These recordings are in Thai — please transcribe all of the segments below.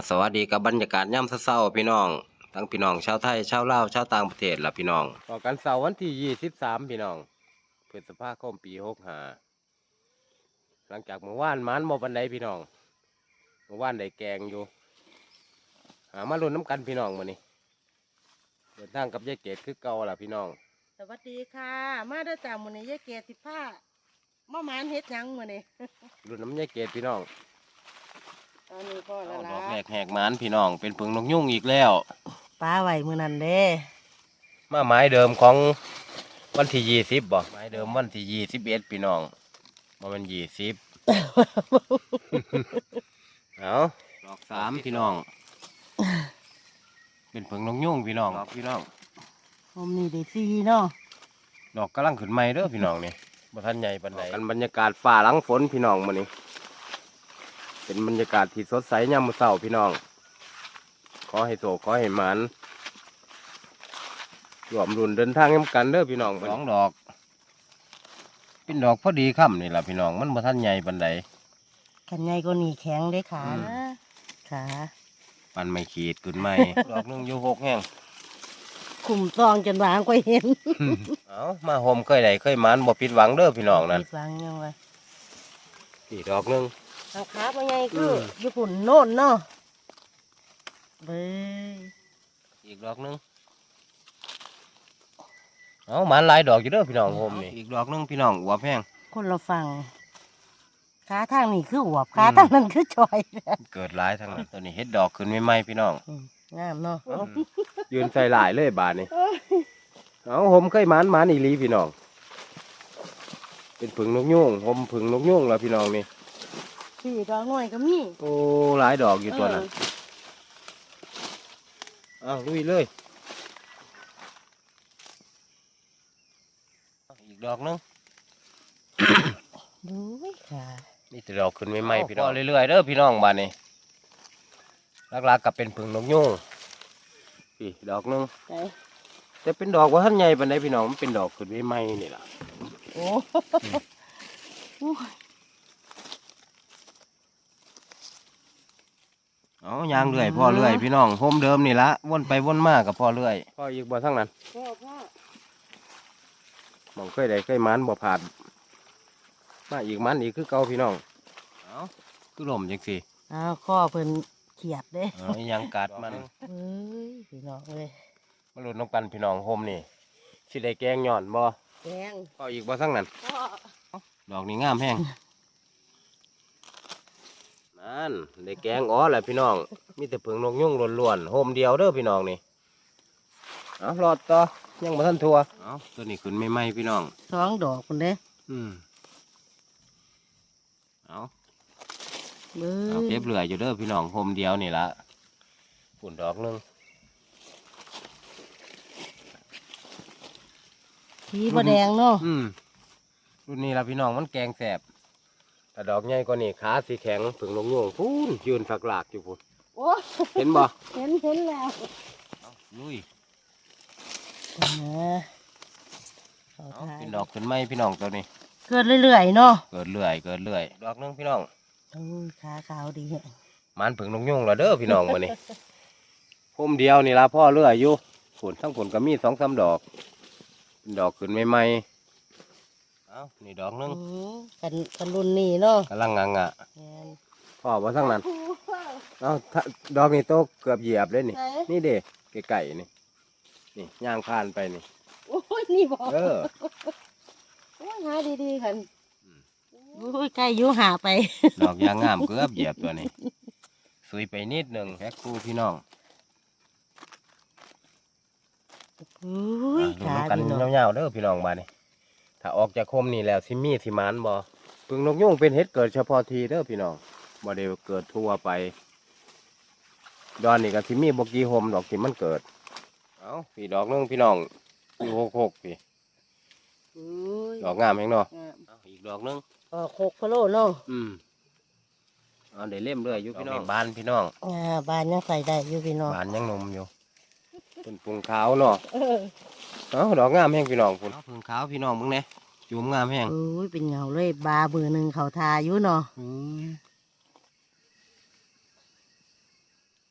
สวัสดีกับบรรยากาศย่ำเช้าๆพี่น้องทั้งพี่น้องชาวไทยชาวลาวชาวต่างประเทศล่ะพี่น้องต่อกันเสาร์วันที่23พี่น้องพฤษภาคมปี65หลังจากเมื่อวานมันบ่ปานใดพี่น้องเมื่อวานได้แกงอยู่หามาลุ้นน้ำกันพี่น้องมื้อนี้เดินทางกับยายเกดคือเก่าล่ะพี่น้องสวัสดีค่ะ มาได้จากมื้อนี้ยายเกศ15มะหมานเฮ็ดหยังมื้อนี้ลุ้นน้ำยายเกดพี่น้องตอนนี้พ่อละดล่ะอกแรกแหกหมานพี่น้องเป็นผึ่งนกยุงอีกแล้วป้าไว้มื้อนั้นเด้มาหมายเดิมของวันที่20บ่หมายเดิมวันที่21พี่น้องบ่แม่น20 เอาดอก3พี่น้อง เป็นผึ่งนกยุงพี่น้องพี่น้องผมนี่ได้4เนาะดอกกำลังขึ้นใหม่เด้อพี่น้องนี่บ่ทันใหญ่ปานใดกันบรรยากาศฟ้าหลังฝนพี่น้องมื้อนี้เป็นบรรยากาศที่สดใสยามมื้อเช้าพี่น้องขอให้โชคขอให้หมานรวมรุ่นเดินทางนำกันเด้อพี่น้องสองดอกเป็นดอกพอดีค่ำนี่ล่ะพี่น้องมันบ่ทันใหญ่ปานใดขันใหญ่กว่านี้แข็งเด้ขาอืมนะขาปันไม่ขีดขึ้นใหม่ ดอกหนึงอยู่6แห้งคุมซองจนวางก็เห็นเอามาโฮมเคยได้เคยหมานบ่ผิดหวังเด้อพี่น้องนั่นผิดหวังยังวะนี่ดอกหนึงทางขาบ่ใหญ่คือมญี่ปุ่นโน่นเนาะเบ้ยอีกดอกหนึงเอาหมานหลายดอกอยู่เด้อพี่น้องโฮมนี่อีกดอกหนึงพี่น้องหัวแพงคนเราฟังขาทางนี้คืออวบขาทางนั้นคือจอยเกิดหลายทั้งนั้นตัวนี้เฮ็ดดอกขึ้นใหม่ๆพี่น้องงามเนาะยืนใส่หลายเลยบาทนี่เอาผมเคยหมานอีหลีพี่น้องเป็นผึ่งนกยุงผมผึ่งนกยุงแล้วพี่น้องนี่พี่ดอกน้อยก็มีโอ้หลายดอกอยู่ตัวนั้นเอาลุยเลยอีกดอกหนึงดูค่ะนี่แต่ดอกขึ้นใหม่ๆพี่น้องเรื่อยๆเด้อพี่น้องบาทนี่หลักๆกับเป็นผึ่งนกยุงพี่ดอกหนึงไหนแต่เป็นดอกว่าท่านใหญ่ปานใดพี่น้องมันเป็นดอกขึ้นใหม่ๆนี่ล่ะโอ้โหเอายางเรื่อยพ่อเรื่อยพี่น้องโฮมเดิมนี่ละวนไปวนมากับพ่อเรื่อยพ่ออีกบ่ทั้งนั้นพ่อมองเคยได้เคยมันบ่ผ่านมาอีกมันอีกคือเก่าพี่น้องเอาคือลมจังสิอ้าวข้อเพิ่นเขียดเด้เอาอีหยังกัดมันเฮ้ยพี่น้องเอ้ยมาหลุดน้องกันพี่น้องโฮมนี่สิได้แกงหย่อนบ่แดงพ่ออีกบ่ทั้งนั้นพ่อดอกนี้งามแห้งนั่นได้แกงอ๋อแหละพี่น้องมีแต่ผึ่งนกยุงล้วนๆโฮมเดียวเด้อพี่น้องนี่เอารอดต่อยังบ่ทันทัวเอาตัวนี้ขึ้นใหม่ๆพี่น้องสองดอกคนเด้อืมเอาเบ้เอายเก็บเหลืออยู่เด้อพี่น้องโฮมเดียวนี่ละฝุ่นดอกหนึงสีบ่แดงเนาะรุ่นนี้ละพี่น้องมันแกงแสบแต่ดอกใหญ่กว่านี่ขาสีแข็งผึ่งลงโยงพูนยืนฝักหลากอยู่พูนโอ้เห็นบ่เห็นแล้วเอาลุยนะเอาเอาทายเป็นดอกขึ้นไหมพี่น้องตัวนี้เกิดเรื่อยๆเนาะเกิดเรื่อยเกิดเรื่อยดอกหนึงพี่น้องโอ้ยขาขาวดีเนี่ยมันผึ่งลงโยงและเด้อพี่น้องมานี่ โฮมเดียวนี่ละพ่อเรื่อยอยู่ผลทั้งผลก็มี2-3ดอกเป็นดอกขึ้นใหม่ๆเอานี่ดอกหนึงกันรุ่นนี้เนาะกำลังงังอ่ะแม่นพ่อว่าทั้งนั้น เอาถ้าดอกนี่โตเกือบเหยียบเลยนี่ไหนนี่เด็กไก่นี่นี่ย่างผ่านไปนี่โอ้ยนี่บอกเออโอ้ยหาดีๆคันอืมโอ้ยใกล้อยุหาไปดอกยางงามเกือบเหยียบตัวนี้สุยไปนิดหนึ่งแพ็คคู่พี่น้องโอ้ยดูขาน้ำกันดีเนาะยาวๆเด้อพี่น้องบ้านนี่ถ้าออกจากคมนี่แล้วซิมี่สิหมานบ่ปึงนกยุงเป็นเห็ดเกิดเฉพาะทีเด้อพี่น้องบ่ได้เกิดทั่วไปดอนนี่ก็ซิมี่บกี่โฮมดอกที่มันเกิดเอาพี่ดอกหนึงพี่น้องอยู่6พี่โอ้ยดอกงามแฮงเนาะงามเอาอีกดอกหนึงออก6พะโลเนาะเอาได้เล่มเรื่อยอยู่พี่น้องบ้านพี่น้องบ้านยังใส่ได้อยู่พี่น้องบ้านยังหนมอยู่เป็นปรุงขาวเนาะเออเอาดอกงามแห้งพี่น้องพุ่นปรุงขาวพี่น้องมึงเนี่ยจุ่มงามแห้งโอ้ยเป็นเหงาเลยบาเบอร์หนึ่งเขาทาอยู่เนาะ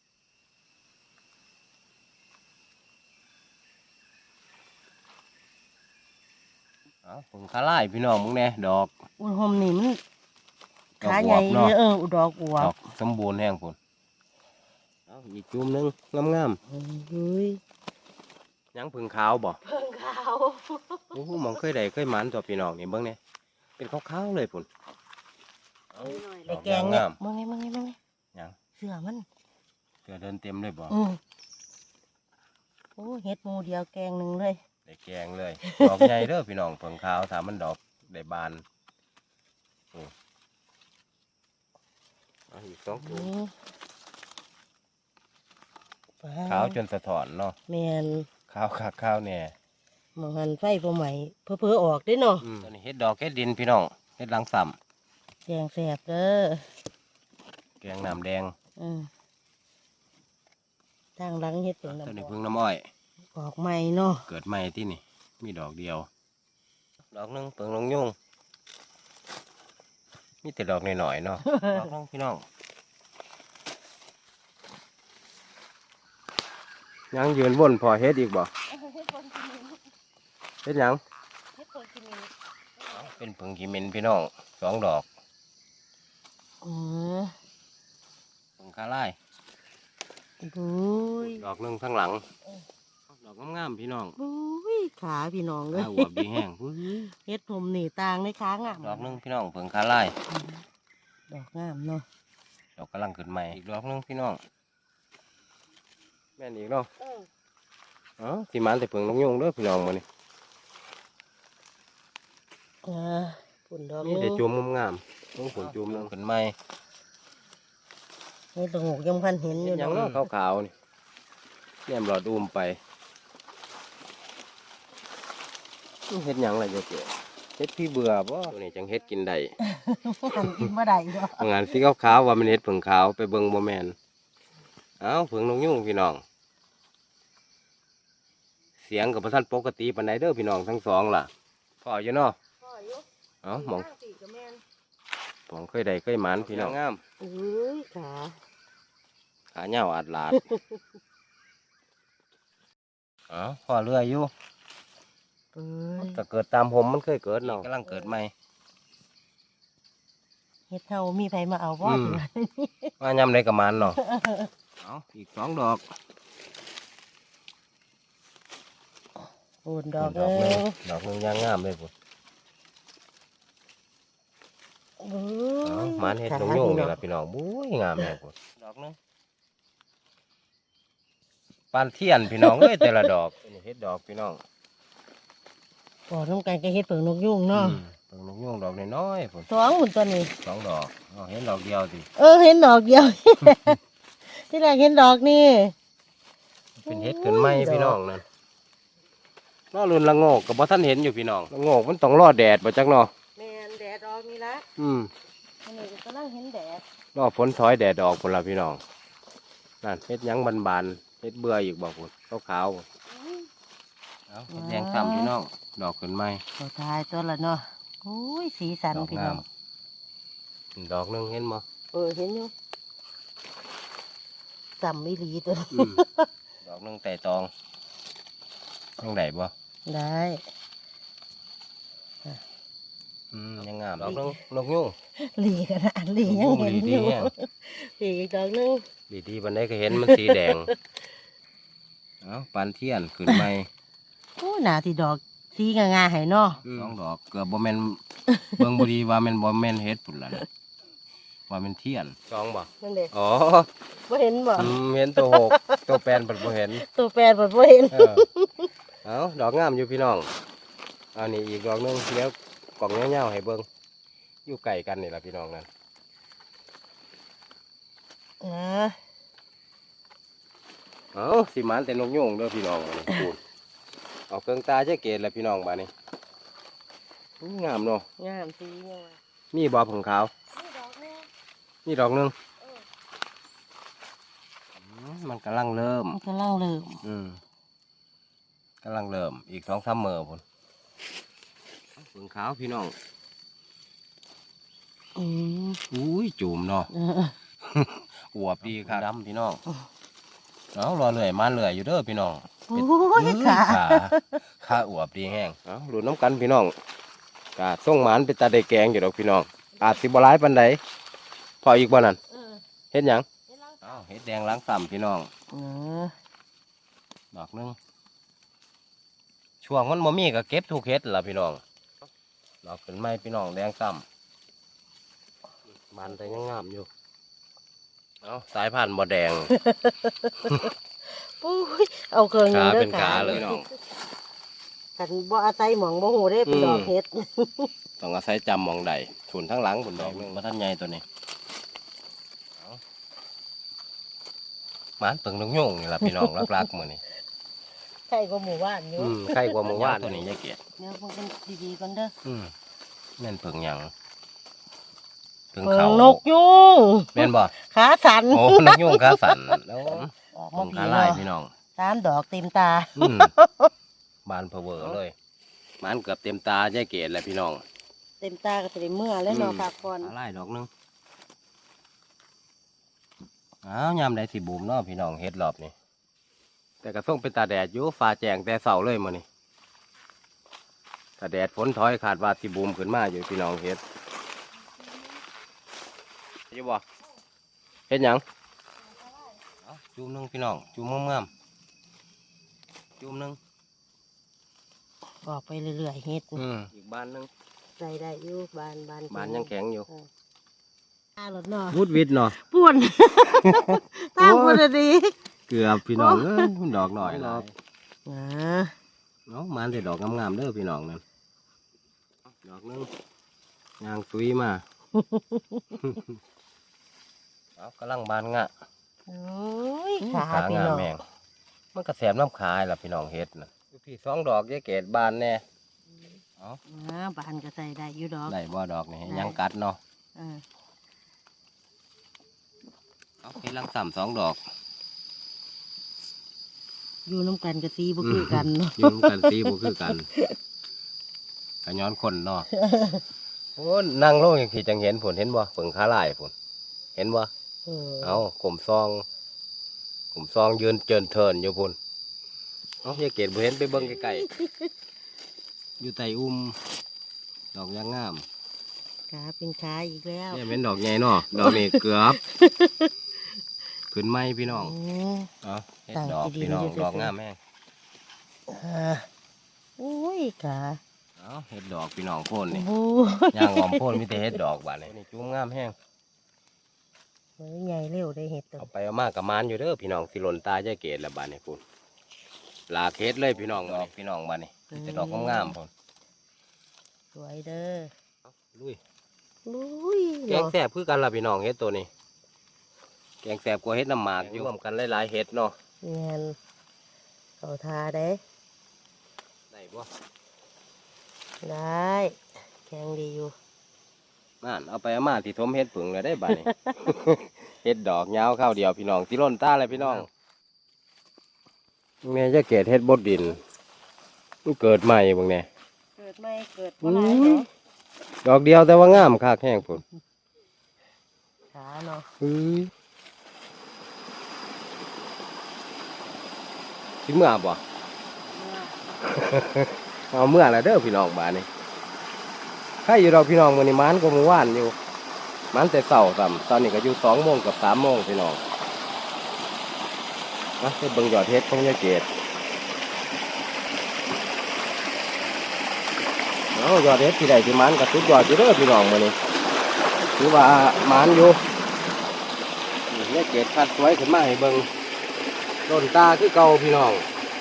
เอาผงคาไล่พี่น้องมึงแน่ดอกอุ้ยหอมนี่มันดอกขาอใหวญ่บเลเนาะยอุดอกอวดบอกสมบูรณ์แห้งพุ่นเอาอีกจุ่มหนึงงามเฮ้ยๆยังผึ่งขาวบ่เพิ่งขาวโอ้โหมองเคยได้เคยหมันตัวพี่น้องนี่เบิ่งเนี่ยเป็นขาวๆเลยพุ่นเอาในแกงเนี่ยงามมึงไงมึงไงมึงไงยังเสือมันเกลือเดินเต็มเลยบ่โอ้เฮ็ดหมูเดียวแกงหนึ่งเลยได้แกงเลย ดอกใหญ่เด้อพี่น้องผงขาวถ้ามันดอกได้บานโอ้เอาอีกสองตัวนี่ขาวจนสะท้อนเนาะแมนขาวคักขาวแน่มองหันไฟพอใหม่เพื่อออกได้เนาะตัวนี้เฮ็ดดอกเฮ็ดดินพี่น้องเฮ็ดหลังซ้แกงแสบเด้อำแกงน้ำแดงทางหลังเฮ็ดเป็นตัวนี้น้ำพึ่งน้ำอ้อยออกใหม่เนาะเกิดใหม่ที่นี่มีดอกเดียว ดอกหนึงเปิงลงยุ่งมีแต่ดอกหน่อยๆเนาะ ดอกหนึงพี่น้องยังยืนวนพอเฮ็ดอีกบ่เฮ็ดคนกินเฮ็ดหยังเฮ็ดคนกินเป็นผึ่งขีมินพี่น้องสองดอกอือผึ่งคาไล่บุ้ยดอกหนึงข้างหลัง ดอกงามๆพี่น้องบุ้ยขาพี่น้องเลยข้าวอวบดีแห้งอุ้ยเฮ็ดผมหนีต่างในค้างอ่ะดอกหนึงพี่น้องผึ่งคาไล่ดอกงามเนาะดอกกำลังขึ้นใหม่อีกดอกหนึงพี่น้องแม่นอีกเนาะอ๋อสิมันแต่ผึ่งนกยุงเด้อพี่น้องมื้อนี้ฝุ่นดอกนี่ได้จุ่มงามๆต้องผลจุ่มนึงขึ้นใหม่นี่ตะหกยังพันเห็นอยู่ยังเนาะขาวๆนี่แยมหลอดอุ้มไปเฮ็ดหยังล่ะเจ้าเก๋เฮ็ดพี่เบื่อบ่ตัวนี้จังเฮ็ดกินได้หันกินมาได้เนาะงานสีขาวๆว่ามันเฮ็ดผึ่งขาวไปเบิ่งบ่แม่นเอ้าผึ่งนกยุงพี่น้อง เสียงกับบ่ทันปกติปานใดเด้อพี่น้องทั้งสองล่ะพออยู่เนาะพ่ออยู่เอ้าหมองสี่กับแม่นผมเคยได้เคยหมานพี่น้องงามอุ้ยขาขาเหย้าอัดลาดเอ้าพอเรื่อยอยู่เอ้ยถ้าเกิดตามผมมันเคยเกิดเนาะกำลังเกิดใหม่เฮ็ดเท่ามีไผมาเอาบ่อืม ว่ายำได้กับมันเนาะ เอาอีกสองดอกฝุ่นดอกดอกหนึเอ้งยดอกหนึงย่างงามเลยพุ่นเอ้เอายหมันเฮ็ดนกยุงนี่ล่ะพี่น้องบุ้ยงามแม่พุ่นดอกหนึงปานเทียนพี่น้องเอ้ยแต่ละดอกนี่เฮ็ดดอกพี่น้องปอน้ำกันก็เฮ็ดเปิงนกยุงเนาะเพิ่งนกยุงดอกน้อยๆพุ่นสองหุ่นตัวนี้สองดอกเอาเห็นดอกเดียวสิเห็นดอกเดียว ที่แรกเห็นดอกนี่เป็นเฮ็ดขึ้นไหมพี่น้องนั่นนอรุ่นละโงกกับบ่ท่านเห็นอยู่พี่น้องละโงกมันต้องรอแดดบ่จักเนาะแม่นแดดออกนี่ละอืมอันนี้ก็กำลังเห็นแดดรอฝนถอยแดดออกพุ่นละพี่น้องนั่นเฮ็ดหยังบานๆเฮ็ดเบื่ออีกบ่พุ่นขาวๆเอาเฮ็ดแดงซ้ำพี่น้องดอกขึ้นไหมตัวตายตัวละเนาะโอ้ยสีสันดอกพี่งาน้อมงดอกหนึงเห็นบ่เห็นอยู่จำไม่รีตัวนี้ดอกหนึงแต่ตองยังได้บ่ได้ยังงามดอกหนึงนกยุงหลีกันนะหลียังเห็นดีอยู่ๆเนี่ยหลีอีกดอกหนึงดีๆบันไดก็เห็นมันสีแดง เอาปานเทียนขึ้นใหม่โอ้หนาที่ดอกสีงาๆให้เนาะสองดอกเกือบบ่แม่น เบิ่งบ่ดีว่าแม่นบ่แม่นเฮ็ดพุ่นล่ะนะว่าแม่นเทียนสองบ่นั่นเด็อ๋อบ่เห็นบ่เห็นตัวหกตัวแปนเพิ่นบ่เห็นตัวแปรบ่เห็นเออเอาดอกงามอยู่พี่น้องเอานี่อีกดอกหนึงเดี๋ยวกล่องยาวๆให้เบิ่งอยู่ใกล้กันนี่ล่ะพี่น้องนั่นเออเอาสิหมันแต่นกยุงเด้อพี่น้องอันนี้พูดเอาเครื่องตาเจ๊เกตแหละพี่น้องบัดนี้อู้งามเนาะงามสีงามมีบ่ผงขาวนี่ดอกแม่นี่ดอกหนึงมันกำลังเริ่มมันกำลังเริ่มกำลังเริ่มอีก2-3 มื้อพุ่นผงขาวพี่น้องอืมอุ้ยจุ่มเนาะ อวบดีครับดำพี่น้องเอารอเลื่อยมาเลื่อยอยู่เด้อพี่น้องโอ้ยขาขาอวบดีแห้งเอาหลุดน้ำกันพี่น้องกะส่งหมานเป็นตาได้แกงอยู่ดอกพี่น้องอาจสิบ่หลายปานใดพออีกบ่นั่นเออเฮ็ดหยังเฮ็ดลังอ้าวเฮ็ดแดงล้างซ้ำพี่น้องเออดอกหนึงช่วงมันบ่มีก็เก็บทุกเฮ็ดล่ะพี่น้องดอกขึ้นไม้พี่น้องแดงซ้ำบานแต่ยังงามอยู่เอ้าสายพันธุ์บ่แดงปุ้ยเอาเครื่องหนึ่งขาด้อเป็นขาเลยน้องกันบ่อาศัยหมองบ่ฮู้ได้เป็นดอกเฮ็ดต้องอาศัยจำหมองใดถุนทั้งหลังผลดอกหนึงมาท่านใหญ่ตัวนี้เอาหมานเปิงนกยุงนี่ล่ะพี่น้องรักๆมื้อนี้ใช่ก็หมู่บ้านอยู่ใครกว่าหมู่ว่านตัวนี้ยายเกียรติเดี๋ยวพวกกันดีๆก่อนเด้อแม่นเปิงหยังเปิงเบิ่เขางนกยุงแม่นบ่ขาสันโอ้นกยุงขาสั่นแล้วออกเปิมาง ผีขาลายเนาะพี่น้องตามดอกเต็มตาบานเพอเวอเลยหมานเกือบเต็มตายายเกียรติแล้วพี่น้องเต็มตาก็จะได้เมื่อแล้วเนาะพักผ่อนขาลายดอกหนึงอ้าวยามใดสิบูมเนาะพี่น้องเฮ็ดรอบนี้แต่ก็ส่งเป็นตาแดดอยู่ฟ้าแจ้งแต่เช้าเลยมื้อนี้ ถ้าแดดฝนถอยขาดว่าสิบูมขึ้นมาอยู่พี่น้องเฮ็ดอยู่บ่เฮ็ดหยังเอาจุ่มหนึงพี่น้องจุ่มงามๆจุ่มหนึงออกไปเรื่อยๆเฮ็ดอีกบานหนึงใส่ได้อยู่บานบานยังแข็งอยู่ตาหลดเนาะวุดวิดเนาะป่วนตามคนดีเกือบพี่น้องเอ้ยมันดอกหน่อยหลายอ่าเนาะมันได้ดอกงามๆเด้อพี่น้องนั่นดอกหนึงยางซุยมา เอากำลังบานงะโอ้ยขาขาพี่งามน้องแมงมันกระแสบน้ำขายล่ะพี่น้องเฮ็ดนะพี่สองดอกยายเกดบานแน่เอาบานก็ใส่ได้อยู่ดอกได้บ่ดอกนี่ได้ยังกัดเนาะอ่าเอาเฮ็ดลังสามสองดอกอยู่น้ำกันกับซีบ่คือกันเนาะยืมกันสีบ่คือกันกะย้อนคนเนาะโอ้นั่งลงอย่างที่จังเห็นผลเห็นบ่เปิงขาลายผลเห็นบ่เออเอากลมซองยืนเจินเทินอยู่พุ่นเอายายเกดบ่เห็นไปเบิ่งใกล้ๆอยู่ใต้อุ้มดอกยางงามขาเป็นขาอีกแล้วเนี่ยเป็นดอกใหญ่เนาะดอกนี้เกือบ ขึ้นไม้พี่น้อง เอาเฮ็ดดอกพี่น้องดอกงามแม่งโอ้ยขาเอาเฮ็ดดอกพี่น้องโพ่นนี่โอ้ย่างหอมโพ่นมีแต่เฮ็ดดอกบาดนี่จุ้มงามแห้งยใหญ่เร็วได้เห็ดตัวเอาไปเอามากับมานอยู่เด้อพี่น้องสิหล่นตายายเกดละบาดนี่พุ่นลากเฮ็ดเลยพี่น้องดอกพี่น้องบาดนี่มีแต่ดอกงามๆพุ่นสวยเด้อลุยลุยแกงแซ่บคือกันล่ะพี่น้องเฮ็ดตัวนี้แกงแซ่บกว่าเฮ็ดน้ำหมากอยู่รวมกันหลายๆเฮ็ดเนาะเงียนเขาทาได้ได้บ่ได้แข็งดีอยู่นั่นเอาไปเอามาที่ทมเฮ็ดผึ่งเลยได้บาดนี่ เฮ็ดดอกยาวข้าวเดียวพี่น้องสิหล่นตาเลยพี่น้องแม่จะเกดเฮ็ดบดดินมันเกิดใหม่เบิ่งแน่เกิดไม่เกิดบ่หลายเนาะดอกเดียวแต่ว่างามคักแห้งพุ่นขาเนาะสิเมื่อบ่ เอาเมื่อแล้วเด้อพี่น้องบ้านนี้ใครอยู่ดอกพี่น้องมื้อนี้มันก็มื้อวานอยู่มันแต่เช้าซ้ำตอนนี้ก็อยู่2 โมงกับ3 โมงพี่น้องมาไปเบิ่งยอดเฮ็ดของยายเกดเอายอดเฮ็ดที่ใดที่มันก็สุดยอดอยู่เด้อพี่น้องมื้อนี้ถือว่ามันอยู่นี่ยายเกดคัดสวยขึ้นมาให้เบิ่งต้นตาคือเก่าพี่น้อง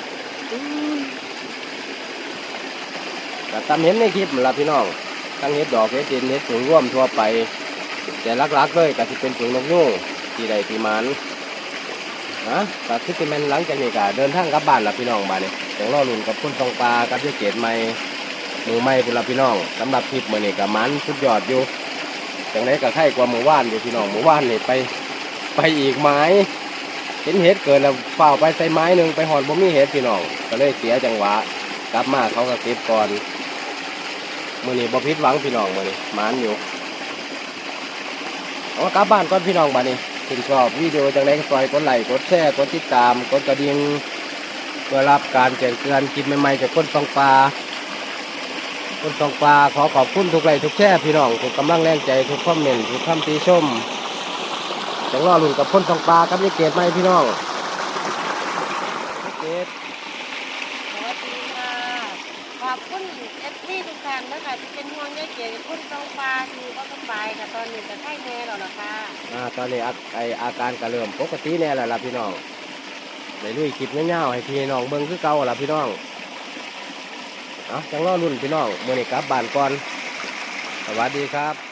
ก็ตามเห็นในคลิปนั่นล่ะพี่น้องทั้งเห็ดดอกเห็ดดินเห็ดผึ่งร่วมทั่วไปแต่หลักๆเลยก็จะเป็นผึ่งนกยูงที่ใดที่มันนะก็คือเป็นแมนหลังจากนี้ก็เดินทางกลับบ้านล่ะพี่น้องบ้านนี้ต้องรอลุ้นกับคนทองปลากับยายเกดใหม่มือใหม่พุ่นล่ะพี่น้องสำหรับคลิปมื้อนี้ก็มันสุดยอดอยู่จังไดก็ไข่กว่าหมู่บ้านอยู่พี่น้องหมู่บ้านนี่ไปอีกไม้เห็นเห็ดเกิดแล้วเฝ้าไปใส่ไม้หนึงไปหอดบ่มีเห็ดพี่น้องก็เลยเสียจังหวะกลับมาเขาก็เก็บก่อนมื้อนี้บ่ผิดหวังพี่น้องมื้อนี้หมานอยู่เอากลับบ้านก่อนพี่น้องบัดนี้ถึงชอบวิดีโอจังไดก็ซอยกดไลค์กดแชร์กดติดตามกดกระดิ่งเพื่อรับการแจ้งเตือนคลิปใหม่ๆจากคนฟังปลาคนสองปลาขอขอบคุณทุกไลค์ทุกแชร์พี่น้องทุกกำลังแรงใจทุกคอมเมนต์ทุกคำติชมจังรอลุ่นกับคนสองปลากับยายเกดไหมพี่น้องยายเกดสวัสดีค่ะขอบคุณเอฟซีทุกท่านนะคะที่เป็นห่วงยายเกดคุณตองปลาที่บ่สบายค่ะตอนนี้จะไข้แน่แล้วล่ะค่ะตอนนี้อาการก็เริ่มปกติแน่แล้วล่ะพี่น้องได้ลุยคลิปเงี้ยวๆให้พี่น้องเบิ่งคือเก่าล่ะพี่น้องจังรอลุ่นพี่น้องมื้อนี้กลับบ้านก่อนสวัสดีครับ